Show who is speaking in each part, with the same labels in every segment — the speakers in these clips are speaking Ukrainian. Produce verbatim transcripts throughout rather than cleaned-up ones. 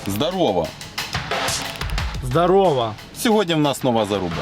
Speaker 1: Здорово!
Speaker 2: Здорово!
Speaker 1: Сьогодні в нас нова заруба.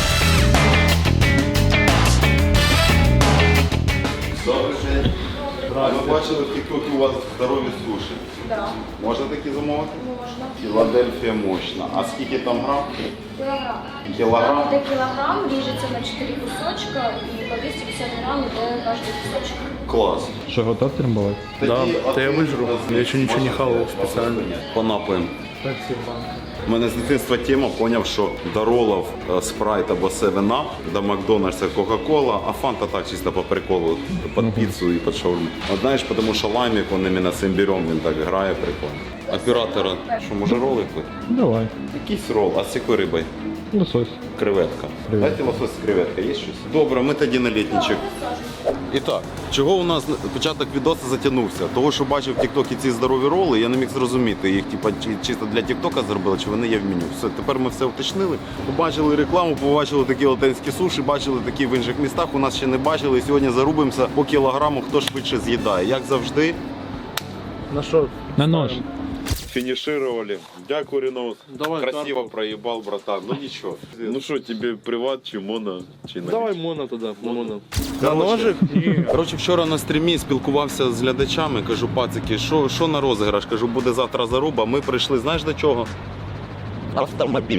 Speaker 1: Добрий день. Ми бачили в тіктокі у вас здорові суші.
Speaker 3: Да.
Speaker 1: Можна такі замовити?
Speaker 3: Можна.
Speaker 1: Філадельфія мощна. А скільки там грам?
Speaker 3: Кілограм.
Speaker 1: Кілограм?
Speaker 3: Там іде кілограм, ріжеться на чотири кусочка і по двісті п'ятдесят грам іде кожен кусочок.
Speaker 1: Клас.
Speaker 2: Что, готов трамбовать?
Speaker 1: Да,
Speaker 2: да я выжру. Я еще ничего не хавал специально.
Speaker 1: По напоям.
Speaker 2: Спасибо.
Speaker 1: У мене з дитинства тема, поняв, що до роллов спрайт або севен ап, до Макдональдса Кока-Кола, а фанта так чисто по приколу, під піцу і під шаурму. От знаєш, тому що лаймік, він іменно цим берем, він так грає прикольно. Оператора, що може роли пити?
Speaker 2: Давай.
Speaker 1: Якийсь рол, а з якою рибою?
Speaker 2: Лосось.
Speaker 1: Креветка.
Speaker 2: Креветка.
Speaker 1: Дайте лосось з креветка, є щось? Добре, ми тоді на літничок. І так, чого у нас початок відосу затягнувся? Того, що бачив в тіктокі ці здорові роли, я не міг зрозуміти, їх типа, чи чисто для тіктока зробили, чи вони є в меню. Все, тепер ми все уточнили. Побачили рекламу, побачили такі латинські суші, бачили такі в інших містах, у нас ще не бачили. І сьогодні зарубимося по кілограму, хто швидше з'їдає. Як завжди.
Speaker 2: На что? На нож.
Speaker 1: Финишировали. Дякую, Ренос.
Speaker 2: Давай
Speaker 1: Красиво
Speaker 2: карту.
Speaker 1: проебал, братан. Ну ничего. Ну что, тебе приват, чи моно, чи на
Speaker 2: Давай моно туда, на моно.
Speaker 1: На
Speaker 2: ножик?
Speaker 1: Коротше, вчора на стрімі спілкувався з глядачами, кажу, пацики, що, що на розіграш? Кажу, буде завтра заруба. Ми прийшли, знаєш до чого?
Speaker 2: Автомобиль.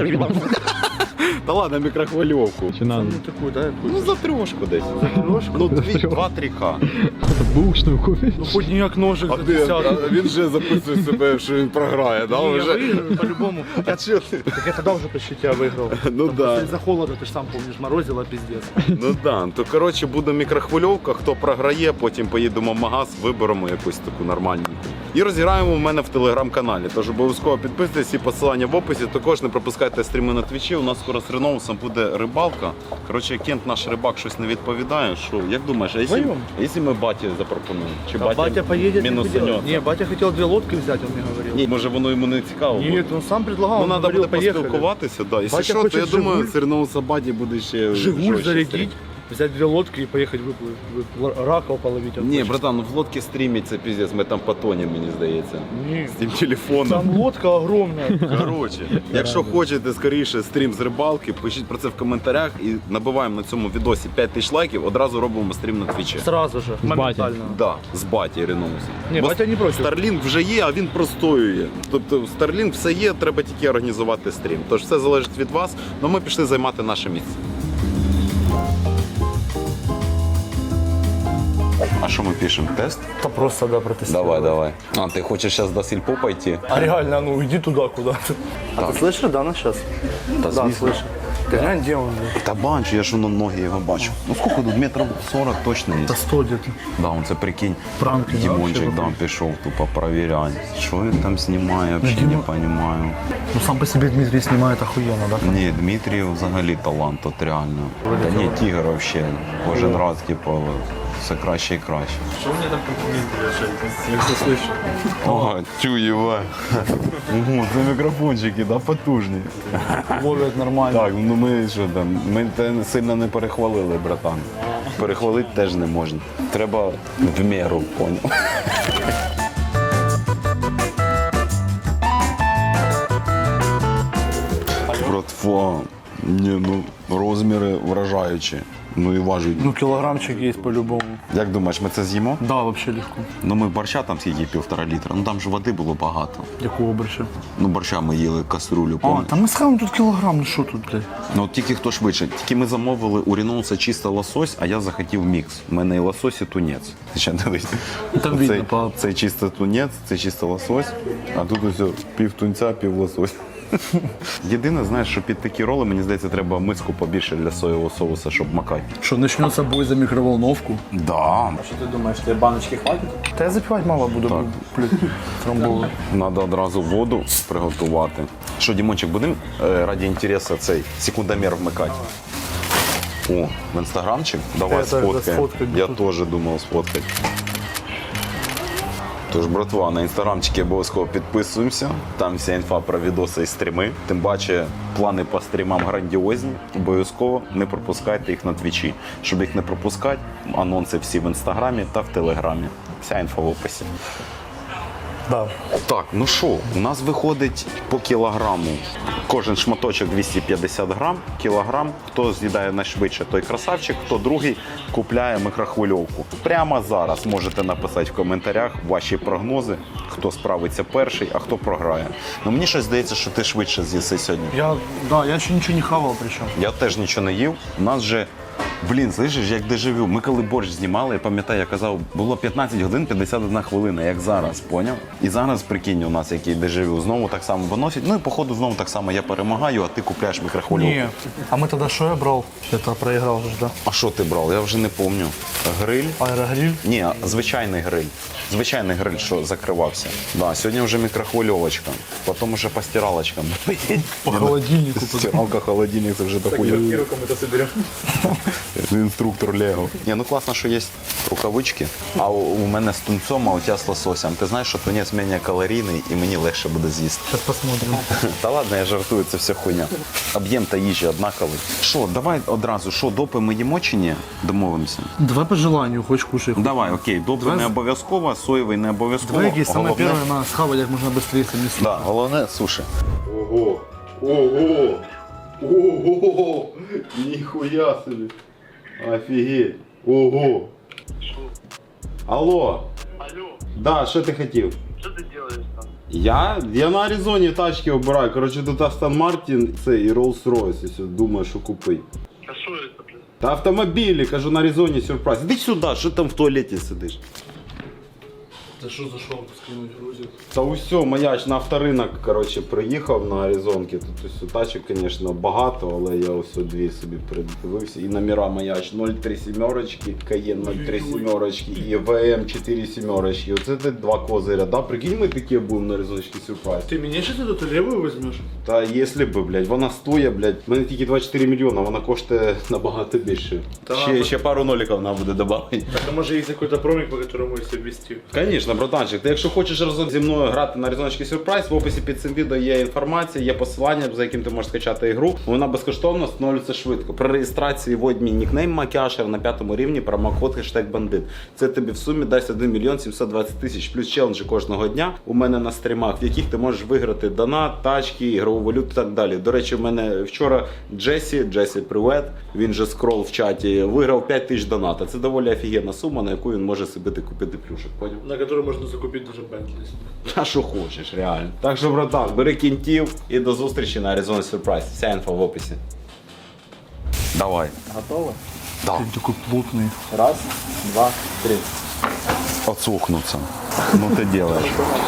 Speaker 1: Та ладно, мікрохвильовку.
Speaker 2: Чи надо? Ну такую, да?
Speaker 1: Ну за трьошку десь.
Speaker 2: За трошку?
Speaker 1: Ну два-три ка.
Speaker 2: Бушную купить. Ну хоть ніяк ножик за десятку.
Speaker 1: він вже записує себе, що він програє, да?
Speaker 2: Не, я выиграю по-любому.
Speaker 1: А чого ти?
Speaker 2: Так я тогда уже почти тебя выиграл.
Speaker 1: Ну
Speaker 2: Там
Speaker 1: да.
Speaker 2: просто Из-за холода, ты же сам помнишь, морозило пиздец.
Speaker 1: Ну да, то коротше буде мікрохвильовка, хто програє, потім поїдемо в магаз, виберемо якусь таку нормальненьку. І розіграємо в мене в телеграм-каналі. Тож обов'язково підписуйтесь, всі посилання в описі. Також не пропускайте стріми на твічі. У нас скоро з Реноусом буде рибалка. Коротше, Кент наш рибак щось не відповідає. Що, як думаєш, а якщо,
Speaker 2: Вдвоєм?
Speaker 1: а якщо ми баті запропонуємо? Чи
Speaker 2: А батя поедет
Speaker 1: мінус
Speaker 2: и делать.
Speaker 1: занес?
Speaker 2: Не, батя хотел две лодки взять, он мне говорил.
Speaker 1: Ні, може воно йому не цікаво буде?
Speaker 2: Нет, он сам предлагал,
Speaker 1: Ну,
Speaker 2: он
Speaker 1: треба
Speaker 2: говорил,
Speaker 1: буде
Speaker 2: поехали.
Speaker 1: поспілкуватися, да. Якщо
Speaker 2: Батя
Speaker 1: що, то
Speaker 2: хоче
Speaker 1: я думаю,
Speaker 2: «Жигуль».
Speaker 1: з Реноуса Баді буде ще
Speaker 2: Жигуль
Speaker 1: жорстче
Speaker 2: зарядить,
Speaker 1: стрім.
Speaker 2: взять две лодки и поехать выплыть, вы- раков половить. он
Speaker 1: Ні,
Speaker 2: хочет.
Speaker 1: братан, ну в лодці стрімить це піздець, ми там потонемо, мені здається.
Speaker 2: Не.
Speaker 1: З тим телефоном.
Speaker 2: Там лодка огромная.
Speaker 1: Коротше, якщо хочете скоріше стрім з рибалки, пишіть про це в коментарях і набиваємо на цьому відосі п'ять тисяч лайків, одразу робимо стрім на твічі.
Speaker 2: Сразу же, моментально.
Speaker 1: Да, з баті Реноусом.
Speaker 2: Ні,
Speaker 1: Бо
Speaker 2: батя не проти.
Speaker 1: Starlink вже є, а він простоює. Тобто в Starlink все є, треба тільки організувати стрім. Тож все залежить від вас, але ми пішли займати наше місце. А що ми пишемо? Тест?
Speaker 2: Да просто, да, протестировать.
Speaker 1: давай. А, ти хочеш зараз до сільпо пойти?
Speaker 2: А реально, ну иди туда куда-то. А ты слышишь, да, на сейчас?
Speaker 1: Да,
Speaker 2: Да,
Speaker 1: звісно.
Speaker 2: слышу. Ты глянь, где он? блин?
Speaker 1: Та бачу, я ж на ноги його бачу. Ну скільки тут? Метрів сорок точно є.
Speaker 2: Да сто где-то.
Speaker 1: Да, он це прикинь.
Speaker 2: Пранки, да,
Speaker 1: Дімончик
Speaker 2: вообще
Speaker 1: там пішов тупо перевіряти. Що він там знімає, взагалі не
Speaker 2: Діма-
Speaker 1: розумію.
Speaker 2: Ну сам по себе Дмитрий снимает охуенно, да?
Speaker 1: Ні, Дмитрій взагалі талант, от реально. Та ні, тігр взагалі. Кожен раз, типу, все краще і краще.
Speaker 2: Что мне там комплименты Я все слышу.
Speaker 1: О, тюєва. Ого, це мікрофончики, да, потужні.
Speaker 2: Ловят нормально.
Speaker 1: Так, ну ми що там, ми те сильно не перехвалили, братан. Перехвалити теж не можна. Треба в міру, поняв. Братва, ні, ну розміри вражаючі. Ну і важить.
Speaker 2: Ну килограммчик есть по-любому.
Speaker 1: Як думаєш, ми це з'їмо?
Speaker 2: Да, вообще легко.
Speaker 1: Ну ми борща там скільки півтора літра. Ну там ж води було багато.
Speaker 2: Якого борща?
Speaker 1: Ну борща ми їли каструлю,
Speaker 2: А,
Speaker 1: пам'ятаєш?
Speaker 2: там мы схаваем тут килограмм, ну что тут, блядь?
Speaker 1: Ну от тільки хто швидше. Тільки ми замовили у Реноуса чисто лосось, а я захотів мікс. У мене і лосось, і тунець. Ти ще дивись.
Speaker 2: Там
Speaker 1: Цей-
Speaker 2: видно по-
Speaker 1: Це чисто тунець, це чисто лосось, а тут ось пів тунця, пів лосось. Єдине, знаєш, що під такі роли, мені здається, треба миску побільше для соєвого соуса, щоб макати.
Speaker 2: Что, начнется бой за микроволновку?
Speaker 1: Да.
Speaker 4: Що ти думаєш, тебе баночки хватить?
Speaker 2: Да я запивать мало буду,
Speaker 1: Так.
Speaker 2: блядь, трамбовый.
Speaker 1: Треба одразу воду приготувати. Що, Дімончик, будемо е, раді інтересу цей секундомер вмикати? О, в інстаграмчик? Давай
Speaker 2: Я так, да,
Speaker 1: сфоткаємо.
Speaker 2: сфоткаємо.
Speaker 1: Я теж думав сфоткати. Тож, братва, на інстаграмчики обов'язково підписуємося. Там вся інфа про відоси і стріми. Тим паче, плани по стрімам грандіозні. Обов'язково не пропускайте їх на твічі. Щоб їх не пропускати, анонси всі в інстаграмі та в телеграмі. Вся інфа в описі.
Speaker 2: Да.
Speaker 1: Так, ну що, у нас виходить по кілограму. Кожен шматочок двісті п'ятдесят грам, кілограм. Хто з'їдає найшвидше, той красавчик, хто другий купляє мікрохвильовку. Прямо зараз можете написати в коментарях ваші прогнози, хто справиться перший, а хто програє. Ну мені щось здається, що ти швидше з'їси сьогодні.
Speaker 2: Я, да, я ще нічого не хавав причому.
Speaker 1: Я теж нічого не їв. У нас же, блін, слышиш, як дежавю. Ми коли борщ знімали, я пам'ятаю, я казав, було п'ятнадцять годин п'ятдесят одна хвилина, як зараз, поняв? І зараз, прикинь, у нас який дежавю. Знову так само виносять. Ну і походу знову так само я перемагаю, а ти купляєш мікрохвильовку.
Speaker 2: Ні. А ми тоді що я брав? Я то проіграв вже, да?
Speaker 1: А що ти брав? Я вже не пам'ятаю. Гриль?
Speaker 2: Аерогриль.
Speaker 1: Ні, звичайний гриль. Звичайний гриль, що закривався. Да, сьогодні вже мікрохвильовочка, потім вже по стиралочкам.
Speaker 2: По холодильнику.
Speaker 1: Стиралка, холодильник, це вже дохуя.
Speaker 4: мы-то соберем.
Speaker 1: Інструктор Лего. Ні, ну класно, що є рукавички. А у, у мене з тунцом, а у тебе з лососем. Ти знаєш, що тунець менш калорійний і мені легше буде з'їсти.
Speaker 2: Зараз посмотрим.
Speaker 1: Та ладно, я жартую, це все хуйня. Об'єм та їжі однаковий. Що, давай одразу, що, допи ми їмо чи ні? Домовимося.
Speaker 2: Давай по желанию, хоч кушай.
Speaker 1: Давай, окей, допи
Speaker 2: Давай.
Speaker 1: не обов'язково, соєвий не обов'язково.
Speaker 2: Давай якесь саме
Speaker 1: Головне-
Speaker 2: перше на схавати як можна швидше самі
Speaker 1: Да, головне суші.
Speaker 5: Ого! Ого! Ого! Нихуя себе! Офигеть! Ого! Алло!
Speaker 6: Алло,
Speaker 5: Да, что ты хотел?
Speaker 6: что ты делаешь там?
Speaker 5: Я? Я на Аризоні тачки обираю. Короче, тут Астон Мартін це і Rolls-Royce, якщо думаю, що купити.
Speaker 6: А что это, блин?
Speaker 5: Та автомобілі, кажу, на Аризоні сюрприз. Іди сюди, що там в туалеті сидиш?
Speaker 2: Та що зайшов, скинуть грузик?
Speaker 5: Та усьо, маяч на авторинок, короче, приїхав на Аризонки. Тут ось тачок, звісно, багато, але я ось дві собі придивився. І номера маяч нуль три сімерочки, Каєн нуль три сімерочки і ВМ чотири сімерочки. Оце ти два козиря, да? Прикинь, ми такі будемо на Аризонський сюрприз.
Speaker 2: Ти мені ще тут лівою візьмеш?
Speaker 5: Та якщо б, блядь, вона стоїть, блядь, в мене тільки двадцять чотири мільйона, вона коштує набагато більше.
Speaker 1: Ще, ще пару ноликів нам буде додати.
Speaker 2: Так, може є якийсь промик, по якому їх ввести?
Speaker 5: Звісно, братанчик, ти якщо хочеш разом зі мною грати на Аризонський сюрприз, в описі під цим відео є інформація, є посилання, за яким ти можеш скачати ігру. Вона безкоштовно встановлюється швидко. При реєстрації вводь мій нікнейм Макяшер на п'ятому рівні, промокод хештег бандит. Це тобі в сумі дасть один мільйон сімсот двадцять тисяч плюс челенджі кожного дня у мене на стрімах, в яких ти можеш виграти донат, тачки, ігрову валюту і так далі. До речі, в мене вчора Джесі, Джесі привет, він же скрол в чаті, виграв п'ять тисяч доната. Це доволі офігенна сума, на яку він може собі купити плюшек, поняв?
Speaker 2: На який можна закупити даже Bentley.
Speaker 5: А що хочеш, реально. Так що, братан, бери кінтів і до зустрічі на Arizona Surprise. Вся інфа в описі.
Speaker 1: Давай.
Speaker 4: Готово?
Speaker 1: Да.
Speaker 2: Він такий плотний.
Speaker 4: Раз, два, три.
Speaker 1: Отсухнуться. Ну ти делаешь.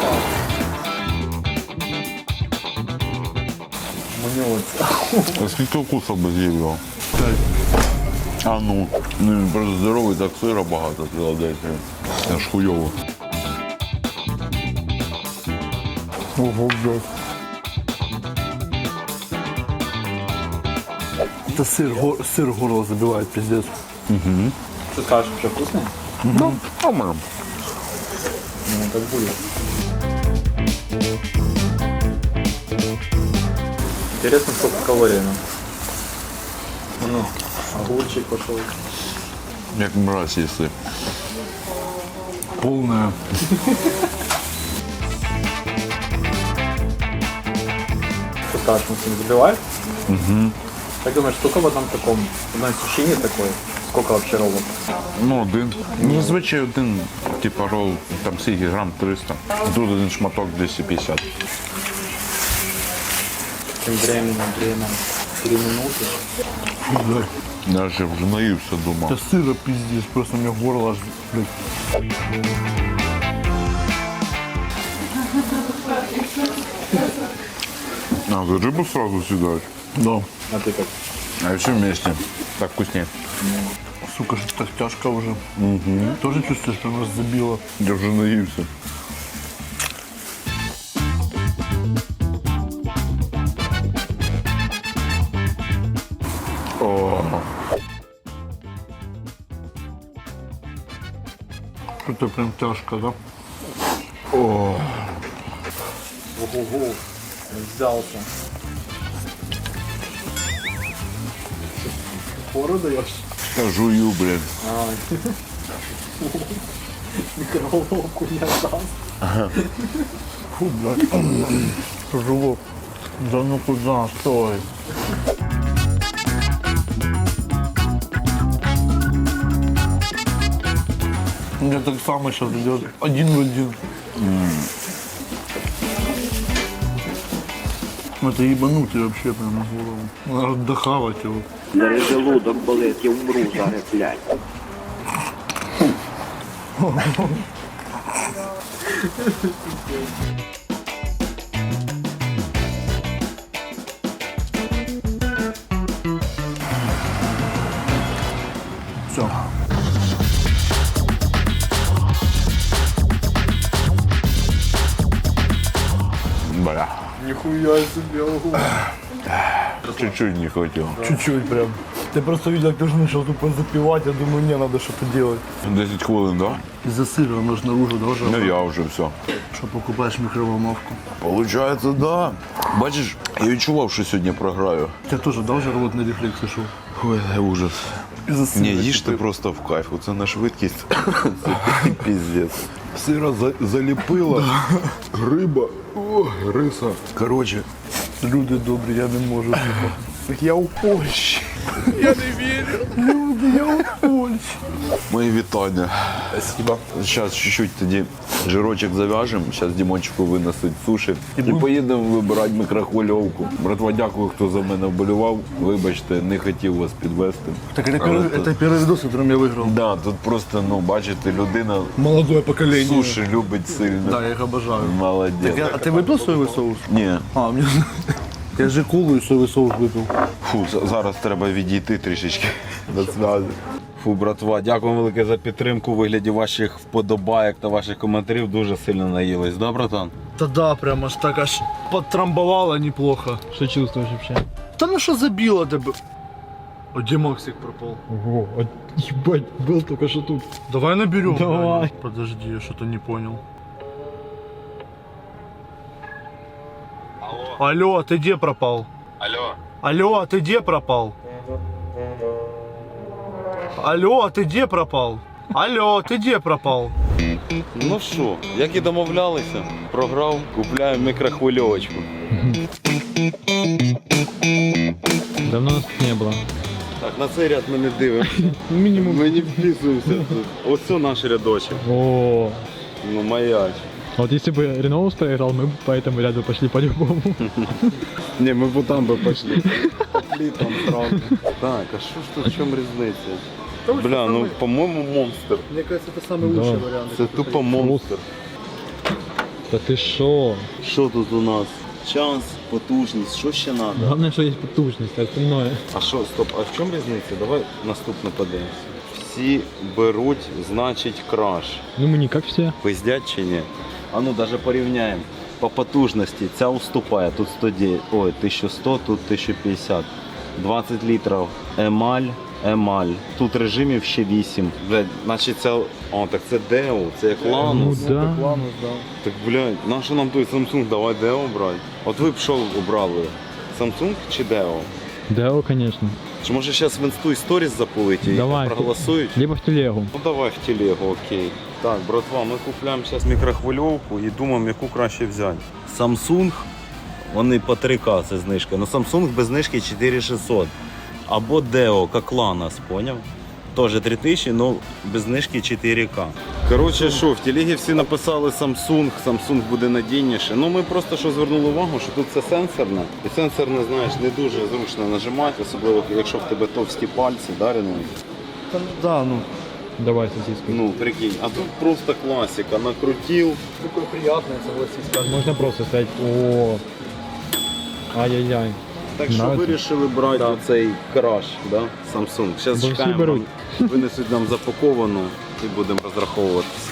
Speaker 4: Мнется.
Speaker 1: А скільки вкусів би з'їв його? А ну. Ну він просто здоровий, так сира багато Філадельфія. Аж хуйово.
Speaker 2: Ого, блядь. Это сыр, го, сыр горло забивает, пиздец.
Speaker 4: Что скажешь, что вкусный?
Speaker 1: Ну, по-моєму.
Speaker 4: Ну, так будет. Интересно, сколько калорий нам. Ну, огурчик пошел.
Speaker 1: Як мразь, якщо.
Speaker 2: Полная.
Speaker 4: Что скажешь, Максим, забивает? Угу. Как думаешь, сколько в одном таком, в одной сушине такой? Сколько вообще роллов?
Speaker 7: Ну, один. Ну, зазвичай один, типа рол, там скільки грам триста. Тут один шматок двісті п'ятдесят.
Speaker 4: Тем временем, время, три минуты.
Speaker 2: Блядь.
Speaker 7: Я вже вже наївся, думав.
Speaker 2: Это сыра пиздец, просто у меня горло аж, блядь.
Speaker 7: А, ты рыбу сразу съедаешь?
Speaker 2: Да.
Speaker 4: А ты как?
Speaker 7: А все вместе. Так вкуснее.
Speaker 2: Сука, что так тяжко уже. Угу. Тоже чувствуешь, что нас забило.
Speaker 7: Я вже наївся. О,
Speaker 2: Что-то прям тяжко, да?
Speaker 4: Ого, взялся. Пору даешь?
Speaker 7: я жую, блядь.
Speaker 4: Микроволновку не отдаст.
Speaker 2: Фу, блядь. Живот. Да ну куда, стой. У меня так само сейчас идет. Один в один. Это ебанутый вообще прям на голову. Надо дохавать его.
Speaker 8: Зараз желудок болить, я умру зараз, блядь.
Speaker 2: Все.
Speaker 7: Бля.
Speaker 4: Нихуя себе, ого.
Speaker 7: Чуть-чуть не хватило.
Speaker 2: Чуть-чуть прям. Ты просто видел, как ты же начал тупо запивать. Я думаю, не, надо что-то делать.
Speaker 7: десять хвилин, да?
Speaker 2: Из-за сыра оно же наружу должно.
Speaker 7: Ну я вже все.
Speaker 2: Что покупаешь микроволновку.
Speaker 7: Получається, да. Бачиш, я відчував, що сьогодні програю.
Speaker 2: У тебя тоже, да, уже рвотный рефлекс сошел?
Speaker 7: Ой, ужас.
Speaker 2: Из-за сыра.
Speaker 7: Ні, їжте просто в кайф. Оце на швидкість. Це піздець. Сира за- заліпила, риба, о, риса. Коротше,
Speaker 2: Люди добрі, я не можу. типа. Я у Польщі. Я не вірю. Люди, я у Польщі.
Speaker 7: мої вітання.
Speaker 2: Спасибо.
Speaker 7: Зараз чуть-чуть тоді жирочок зав'яжемо, зараз Дімончику винесуть суші і
Speaker 2: будемо-
Speaker 7: поїдемо вибирати мікрохвильовку. Братва, дякую, хто за мене вболівав. Вибачте, не хотів вас підвести.
Speaker 2: Так это
Speaker 7: Але
Speaker 2: первый,
Speaker 7: то-
Speaker 2: это первый видос, которым я выиграл.
Speaker 7: Да, тут просто, ну, бачите, людина
Speaker 2: Молодое поколение.
Speaker 7: суші любить сильно.
Speaker 2: Да, я их обожаю.
Speaker 7: Молодець.
Speaker 2: Так я- а ты выпил соевый соус?
Speaker 7: Ні.
Speaker 2: А, мне... Я же колу и соевый соус выпил.
Speaker 7: Фу, за- зараз треба відійти трішечки. До зв'язку.
Speaker 5: Фу, братва, дякую велике за підтримку у вигляді ваших вподобайок та ваших коментарів. Дуже сильно наїлись, да, братан?
Speaker 2: Да да, прям аж так аж подтрамбовало неплохо.
Speaker 4: Что чувствуешь вообще?
Speaker 2: Да ну что забило ты бы? О, где Максик пропал?
Speaker 4: Ого, ебать, был только что тут.
Speaker 2: Давай наберем.
Speaker 4: Давай.
Speaker 2: Даня. Подожди, я что-то не понял. Алло. Алло, а ты где пропал?
Speaker 1: Алло.
Speaker 2: Алло, а ты где пропал? Алло, а ты где пропал? Алло, ты где пропал?
Speaker 5: Ну що, як і домовлялися, програв, купляю мікрохвильовочку.
Speaker 4: Давно нас тут не было.
Speaker 5: Так, на цей ряд ми не дивимося.
Speaker 4: Минимум.
Speaker 5: Ми не вписуємося тут. Ось це наш рядочок.
Speaker 4: О,
Speaker 5: Ну, маяч.
Speaker 4: а вот если бы Реноус проиграл, мы бы по этому ряду пошли по-любому.
Speaker 5: Не, ми б там би пішли. Пошли там сразу. Так, а що ж тут, в чому різниця? Бля, ну, по-моєму, монстр.
Speaker 2: Мне кажется, это самый
Speaker 4: Да.
Speaker 2: лучший вариант.
Speaker 5: Це тупо монстр.
Speaker 4: Да ты шо?
Speaker 5: Що тут у нас? Час, потужність, що ще треба?
Speaker 4: Главное, что есть потужность, а остальное.
Speaker 5: А що, стоп, а в чому різниця? Давай наступне подивимося. Всі беруть, значить, краш.
Speaker 4: Ну мы не как все.
Speaker 5: Пиздять чи ні? А ну даже порівняємо. По потужності ця уступає. Тут сто дев'ять, ой, тисяча сто, тут тисяча п'ятдесят. двадцять літрів емаль, емаль. Тут режимів ще вісім. Блядь, значить це, о, так це Део, це як Ланус.
Speaker 4: Ну да.
Speaker 5: Так, блядь, нащо нам той Samsung, давай Део брати. От ви б що обрали? Samsung чи Део?
Speaker 4: Да, конечно.
Speaker 5: Чи може зараз в інсту і сторіс запулить і
Speaker 4: Давай.
Speaker 5: проголосують?
Speaker 4: Либо в телегу.
Speaker 5: Ну давай в телегу, окей. Так, братва, ми купляємо зараз мікрохвильовку і думаємо, яку краще взяти. Samsung, вони по три ка це знижка. Ну Samsung без знижки чотири тисячі шістсот. Або Deo, як Ланос, поняв? Теж три тисячі, але без знижки чотири ка. Коротше, що, в телегі всі написали Samsung, Samsung буде надійніше. Ну ми просто що звернули увагу, що тут це сенсорне. І сенсорне, знаєш, не дуже зручно нажимати, особливо якщо в тебе товсті пальці, да, Ренуй?
Speaker 2: Да, да, ну.
Speaker 4: Давай сосиску.
Speaker 5: Ну, прикинь, а тут просто классика, накрутил.
Speaker 2: Такое приятное, согласись.
Speaker 4: Можно просто сказать, о, ай-яй-яй.
Speaker 5: Так що
Speaker 4: Нравится?
Speaker 5: вирішили брати оцей краш, да? Samsung. Зараз
Speaker 4: Бо всі
Speaker 5: чекаємо,
Speaker 4: беруть.
Speaker 5: вам винесуть нам запаковану і будемо розраховуватися.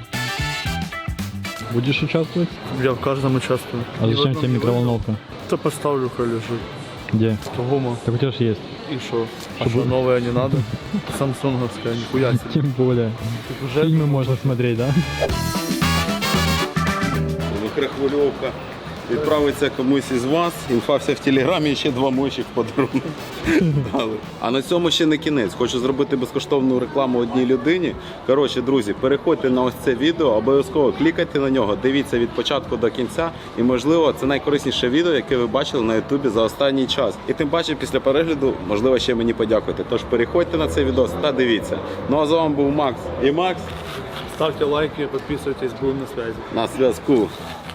Speaker 4: Будешь участвовать?
Speaker 2: Я в каждом участвую.
Speaker 4: А зачем тебе микроволновка?
Speaker 2: То поставлю, хай лежит.
Speaker 4: Где?
Speaker 2: Дома.
Speaker 4: Так у тебя же есть.
Speaker 2: И что? А что, новое не надо? Самсунговская, нихуя себе.
Speaker 4: Тем более.
Speaker 2: Так уже
Speaker 4: Фильмы можно смотреть, да?
Speaker 5: Мікрохвильовка відправиться комусь із вас. Інфа вся в телеграмі, і ще два мочі в подарунок дали. А на цьому ще не кінець. Хочу зробити безкоштовну рекламу одній людині. Коротше, друзі, переходьте на ось це відео, обов'язково клікайте на нього, дивіться від початку до кінця. І, можливо, це найкорисніше відео, яке ви бачили на ютубі за останній час. І тим паче, після перегляду, можливо, ще мені подякуйте. Тож переходьте на цей відео та дивіться. Ну а з вами був Макс. І Макс
Speaker 4: Ставьте лайки, подписывайтесь, будем на связи.
Speaker 5: на зв'язку.